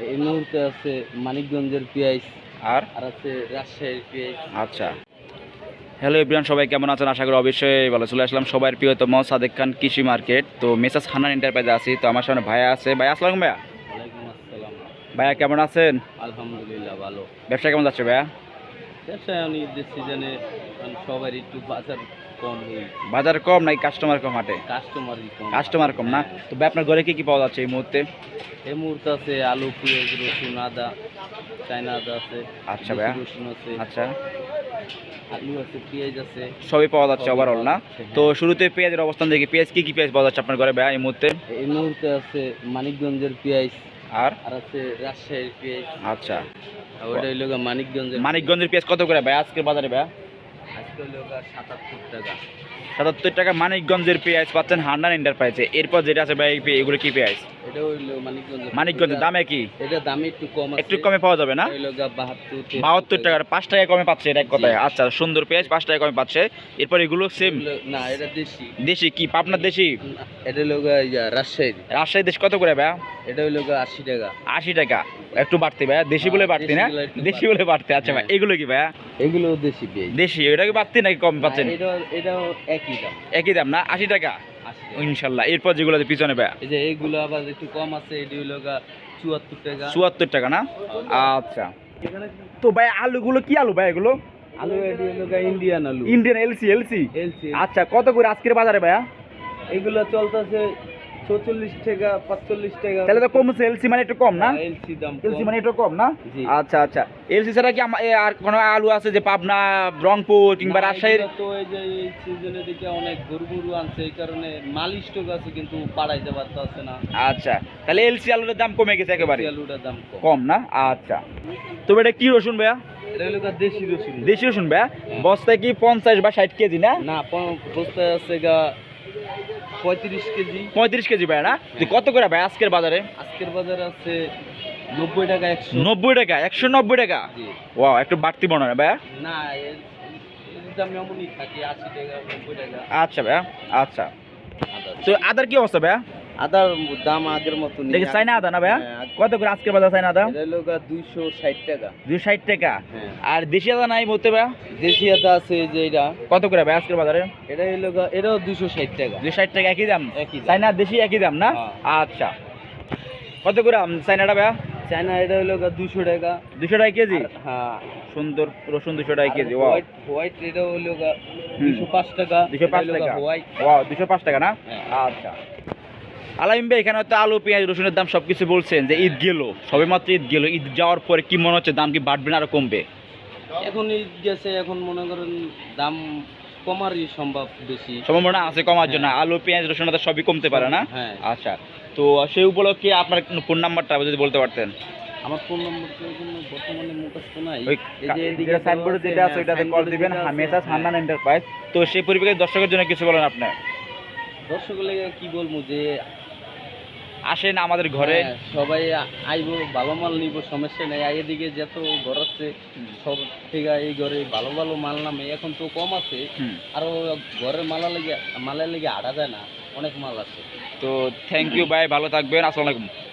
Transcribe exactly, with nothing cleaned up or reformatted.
এই মুহূর্তে আছে মানিকগঞ্জের পেঁয়াজ আর আর আছে রাজশাহীর পেঁয়াজ। আচ্ছা, হ্যালো এভরিওয়ান, সবাই কেমন আছেন? আশা করি অবশ্যই ভালো। চলে আসলাম সবার প্রিয়তম সাদেক খান কৃষি মার্কেট। তো মেসাজ হান্নান এন্টারপ্রাইজে আছি। তো আমার সামনে ভাইয়া আছে। ভাই আসসালাম ভাইয়া। ওয়ালাইকুম আসসালাম। ভাইয়া কেমন আছেন? আলহামদুলিল্লাহ ভালো। ব্যবসা কেমন যাচ্ছে ভাইয়া? ব্যবসায় আমি ঈদের সিজনে সবার একটু বাজার কম হই, বাজার কম নাকি কাস্টমার কম হাটে? কাস্টমারই কম। কাস্টমার কম না? তো ভাই আপনার ঘরে কি কি পাওয়া যাচ্ছে এই মুহূর্তে? এই মুহূর্তে আছে আলু, পেঁয়াজ, রসুন, আদা, চায়না আদা আছে। আচ্ছা ভাইয়া। রসুন আছে, আচ্ছা, আলু আছে, পেঁয়াজ আছে, সবই পাওয়া যাচ্ছে সবই ওভারঅল পাওয়া না? যাচ্ছে, হ্যাঁ। তো শুরুতে পেঁয়াজের অবস্থান দেখি, পেঁয়াজ কি কি পেঁয়াজ পাওয়া যাচ্ছে আপনার ঘরে ভাইয়া এই মুহূর্তে? এই মুহূর্তে আছে মানিকগঞ্জের পেঁয়াজ আর আর আছে রাজশাহীর পেঁয়াজ। আচ্ছা, আর ওটা হইল গা মানিকগঞ্জের। মানিকগঞ্জের পেঁয়াজ কত করে ভাই আজকের বাজারে ভাইয়া? আজকে হইল গা সাতাত্তর টাকা। সাতাত্তর টাকা মানিকগঞ্জের পেঁয়াজ পাচ্ছেন হান্নান এন্টারপ্রাইজে। এরপর যেটা আছে ভাই এগুলো কি পেঁয়াজ? এটা হইল মানিকগঞ্জের। মানিকগঞ্জের দামে কি? এটা দামে একটু কম আছে, একটু কমে পাওয়া যাবে না? হইল গা বাহাত্তর বাহাত্তর টাকার পাঁচ টাকা কমে পাচ্ছে, এটা এক কথায়। আচ্ছা, সুন্দর পেঁয়াজ পাঁচ টাকা কমে পাচ্ছে। এরপর এগুলো সেম না, এটা দেশি। দেশি কি পাবনার দেশি? না, এটা হইল গা ইয়া রাজশাহী। রাজশাহী দেশ কত করে ভাইয়া? এটা হইল গা আশি টাকা। আশি টাকা, একটু বাড়তি ভাইয়া। দেশি বলে বাড়তি না? দেশিগুলো একটু দেশি বলে বাড়তি। আচ্ছা ভাই, হ্যাঁ। এগুলো কি ভাইয়া? এগুলো দেশি পেঁয়াজ। দেশি, ওটা কি বাড়তি নাকি কম পাচ্ছেন? এটা এটাও একই দাম, একই দাম না? আশি টাকা আশি টাকা। ইনশাল্লাহ। এরপর যেগুলো আছে পিছনে ভাইয়া? এই যে এইগুলো আবার একটু কম আছে, এটি হইল গা চুয়াত্তর টাকা। চুয়াত্তর টাকা না? আচ্ছা, তো ভাই আলুগুলো কি আলু ভাই এগুলো? আলু এটি হইল গা ইন্ডিয়ান আলু, ইন্ডিয়ান এলসি এলসি। এলসি। আচ্ছা, কত করে আজকের বাজারে ভাইয়া? এগুলো চলতেছে ছচল্লিশ টাকা, পাঁচচল্লিশ টাকা। তাহলে তো কমছে, এলসি মানে একটু কম না? এলসি দাম এলসি কম। মানে একটু কম না? জি। আচ্ছা আচ্ছা, এলসি ছাড়া কি আম- এ আর কোনো আলু আছে যে পাবনা, রংপুর কিংবা না, রাজশাহীর? এগুলো তো এই যে এই সিজনের দিকে অনেক গরু গরু আনছে, এই কারণে মাল স্টক আছে কিন্তু পাড়াইতে পারতেছে না। আচ্ছা, তাহলে এলসি আলুর দাম কমে গেছে একেবারে? দেশি আলুটার দাম কম। কম না? আচ্ছা, তবে এটা কি রসুন ভাইয়া? এটা হলো গা দেশি রসুন। দেশি রসুন ভাইয়া। হ্যাঁ। বস্তায় কি পঞ্চাশ বা ষাট কেজি না? না, প- বস্তায় আছে গা পঁয়ত্রিশ কেজি। পঁয়ত্রিশ কেজি ভাইয়া না? তো কত করে ভাই আজকের বাজারে? আজকের বাজারে আছে নব্বই টাকা, একশো। নব্বই টাকা, একশো নব্বই টাকা। জি। ওয়াও, একটু বাড়তি মনে হয় ভাইয়া। না, এর এর দাম এমনই থাকে, আশি টাকা, নব্বই টাকা। আচ্ছা ভাইয়া, আচ্ছা। আদা। তো আদার কি অবস্থা ভাইয়া? আদার দাম আগের মতো নেই। দেখি চাইনা আদা না ভাইয়া? হ্যাঁ, আদ- কত করে আজকের বাজার চাইনা আদা? এটা হলো গা দুইশো ষাট টাকা। দুশো ষাট টাকা। হ্যাঁ। আর দেশি আদা নাই বলতে ভাইয়া? দেশি আদা আছে এই যে এটা, কত করে ভাই আজকের বাজারে? এটা হলো গা এটাও দুইশো ষাট টাকা। দুশো ষাট টাকা, একই দাম? একই দাম। চাইনা দেশি একই দাম না? হ্যাঁ। আচ্ছা, কত করে আম চাইনাটা ভাইয়া? চায়না এটা হলো গা দুইশো টাকা। দুশো টাকা কেজি? আর- হ্যাঁ। সুন্দর রসুন দুশো টাকা কেজি। ওয়াও, হোয়াইট হোয়াইট এটা হলো গা হুম। দুইশো পাঁচ টাকা। দুশো পাঁচ এটা হলো গা টাকা। হোয়াইট। ওয়াও, দুশো পাঁচ টাকা না? হ্যাঁ। আচ্ছা, আলামিন ভাই, এখানে তো আলু পেঁয়াজ রসুনের দাম সবকিছু বলছেন যে ঈদ গেল, সবে মাত্র ঈদ গেল, ঈদ যাওয়ার পরে কি মনে হচ্ছে দাম কি বাড়বে না আরো কমবে? এখন ঈদ গেছে, এখন মনে করেন দাম কমারই সম্ভব বেশি। সম্ভাবনা আছে কমার জন্য? আলু পেঁয়াজ রসুন আদা সবই কমতে পারে না? হ্যাঁ। আচ্ছা, তো সেই উপলক্ষে আপনার ফোন নাম্বারটা যদি বলতে পারতেন। আমার ফোন নম্বর তো কোনো বর্তমানে মুখস্থ নাই। ওই এই যে এদিকে যেটা সাইনবোর্ডে দেওয়া আছে, যেটা আছে হ্যাঁ, ওইটাতে কল সাইনবোর্ডে দিবেন, যেটা আছে, মেসাজ হ্যাঁ। হান্নান এন্টারপ্রাইজ। তো সেই পরিপ্রেক্ষিতে দর্শকের জন্য কিছু বলেন আপনি। দর্শকগুলো কি বলবো যে আসেন আমাদের ঘরে। হ্যাঁ, সবাই আইবো, ভালো মাল নিব, সমস্যা নেই। আগে দিকে যত ঘর আছে সব থেকে এই ঘরে ভালো ভালো মাল নামে, এখন তো কম আছে। হুম। আরো ঘরের মালা লেগে মালের লেগে আড়া যায় না, অনেক মাল আছে। তো থ্যাংক ইউ ভাই, ভালো থাকবেন। আসসালামু আলাইকুম।